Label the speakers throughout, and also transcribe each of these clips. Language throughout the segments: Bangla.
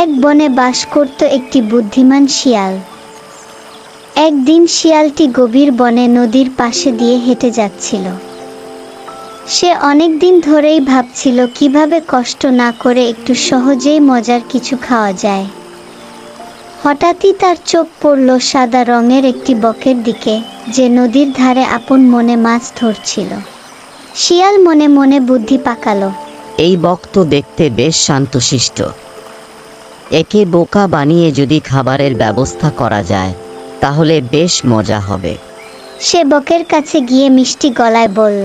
Speaker 1: এক বনে বাস করত একটি বুদ্ধিমান শিয়াল। একদিন শিয়ালটি গভীর বনে নদীর পাশে দিয়ে হেঁটে যাচ্ছিল। সে অনেক দিন ধরেই ভাবছিল কিভাবে কষ্ট না করে একটু সহজেই মজার কিছু খাওয়া যায়। হঠাৎই তার চোখ পড়ল সাদা রঙের একটি বকের দিকে, যে নদীর ধারে আপন মনে মাছ ধরছিল। শিয়াল মনে মনে বুদ্ধি পাকালো,
Speaker 2: এই বক তো দেখতে বেশ শান্তশিষ্ট। একে বোকা বানিয়ে যদি খাবারের ব্যবস্থা করা যায় তাহলে বেশ মজা হবে।
Speaker 1: সে বকের কাছে গিয়ে মিষ্টি গলায় বলল,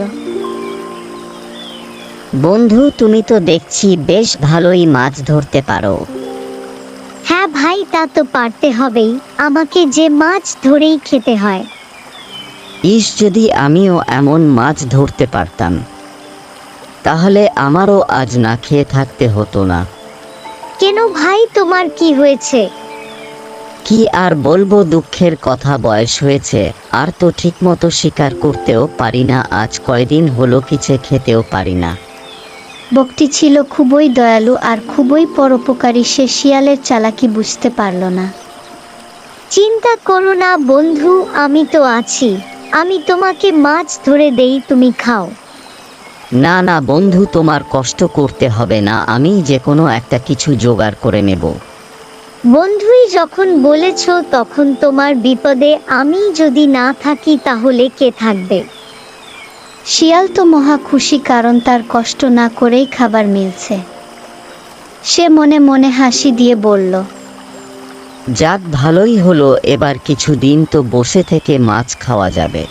Speaker 2: বন্ধু, তুমি তো দেখছি বেশ ভালোই মাছ ধরতে পারো।
Speaker 1: হ্যাঁ ভাই, তা তো পারতে হবেই, আমাকে যে মাছ ধরেই খেতে হয়।
Speaker 2: ইস, যদি আমিও এমন মাছ ধরতে পারতাম তাহলে আমারও আজ না খেয়ে থাকতে হতো না।
Speaker 1: কেন ভাই, তোমার কি হয়েছে?
Speaker 2: কি আর বলবো, দুঃখের কথা, বয়স হয়েছে আর তো ঠিকমতো শিকার করতেও পারি না। আজ কয়দিন হলো কিছু খেতেও পারি না।
Speaker 1: বকটি ছিল খুবই দয়ালু আর খুবই পরোপকারী। সে শিয়ালের চালাকি বুঝতে পারল না। চিন্তা করো না বন্ধু, আমি তো আছি, আমি তোমাকে মাছ ধরে দেই, তুমি খাও।
Speaker 2: না না বন্ধু, তোমার কষ্ট করতে হবে না, আমি যে কোনো একটা কিছু জোগাড় করে নেব।
Speaker 1: বন্ধুই যখন বলেছ, তখন তোমার বিপদে আমি যদি না থাকি তাহলে কে থাকবে? শিয়াল তো মহা খুশি, কারণ তার কষ্ট না করেই খাবার মিলছে। সে মনে মনে হাসি দিয়ে বলল,
Speaker 2: যাক, ভালোই হলো, এবার কিছুদিন তো বসে থেকে মাছ খাওয়া যাবে।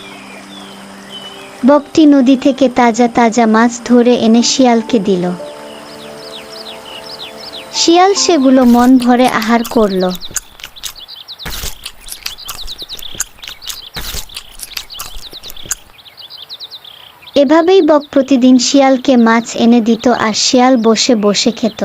Speaker 1: বকটি নদী থেকে তাজা তাজা মাছ ধরে এনে শিয়ালকে দিল। শিয়াল সেগুলো মন ভরে আহার করল। এভাবেই বক প্রতিদিন শিয়ালকে মাছ এনে দিত আর শিয়াল বসে বসে খেত।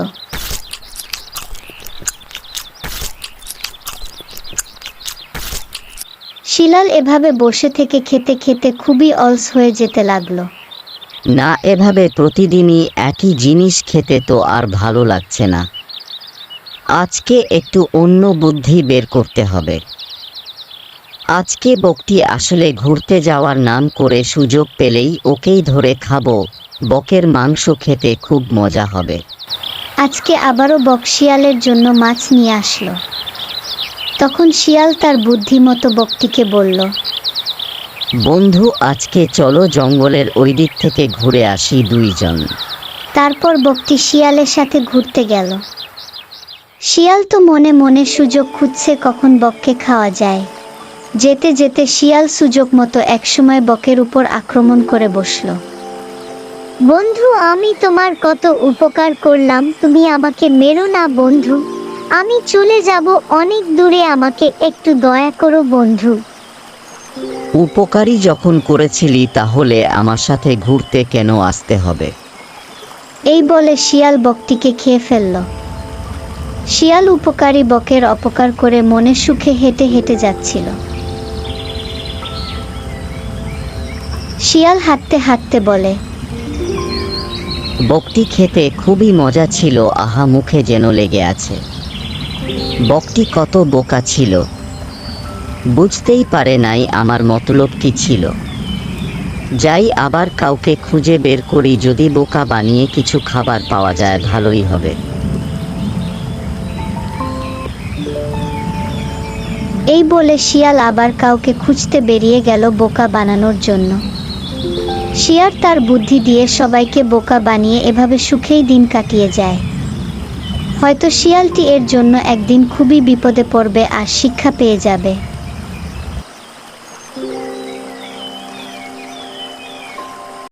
Speaker 1: শিয়াল এভাবে বসে থেকে খেতে খেতে খুবই অলস হয়ে যেতে লাগলো।
Speaker 2: না, এভাবে প্রতিদিনই একই জিনিস খেতে তো আর ভালো লাগছে না। আজকে একটু অন্য বুদ্ধি বের করতে হবে। আজকে বকটি আসলে ঘুরতে যাওয়ার নাম করে সুযোগ পেলেই ওকেই ধরে খাবো। বকের মাংস খেতে খুব মজা হবে।
Speaker 1: আজকে আবারও বক শিয়ালের জন্য মাছ নিয়ে আসলো। তখন শিয়াল তার বুদ্ধিমতো বকটিকে বলল,
Speaker 2: বন্ধু, আজকে চলো জঙ্গলের ওই দিক থেকে ঘুরে আসি দুইজন।
Speaker 1: তারপর বকটি শিয়ালের সাথে ঘুরতে গেল। শিয়াল তো মনে মনে সুযোগ খুঁজছে কখন বককে খাওয়া যায়। যেতে যেতে শিয়াল সুযোগ মতো একসময় বকের উপর আক্রমণ করে বসল। বন্ধু, আমি তোমার কত উপকার করলাম, তুমি আমাকে মেরো না বন্ধু, আমি চলে যাব অনেক দূরে, আমাকে একটু দয়া করো বন্ধু।
Speaker 2: উপকারী যখন করেছিলি তাহলে আমার সাথে ঘুরতে কেন আসতে হবে?
Speaker 1: এই বলে শিয়াল বকটিকে খেয়ে ফেলল। শিয়াল উপকারী বকের অপকার করে মনে সুখে হেঁটে হেঁটে যাচ্ছিল। শিয়াল হাঁটতে হাঁটতে বলে,
Speaker 2: বকটি খেতে খুবই মজা ছিল, আহা, মুখে যেন লেগে আছে। বকটি কত বোকা ছিল, বুঝতেই পারে নাই আমার মতলব কি ছিল। যাই, আবার কাউকে খুঁজে বের করি, যদি বোকা বানিয়ে কিছু খাবার পাওয়া যায় ভালোই হবে।
Speaker 1: এই বলে শিয়াল আবার কাউকে খুঁজতে বেরিয়ে গেল বোকা বানানোর জন্য। শিয়াল তার বুদ্ধি দিয়ে সবাইকে বোকা বানিয়ে এভাবে সুখেই দিন কাটিয়ে যায়। হয়তো শিয়ালটি এর জন্য একদিন খুবই বিপদে পড়বে আর শিক্ষা পেয়ে যাবে।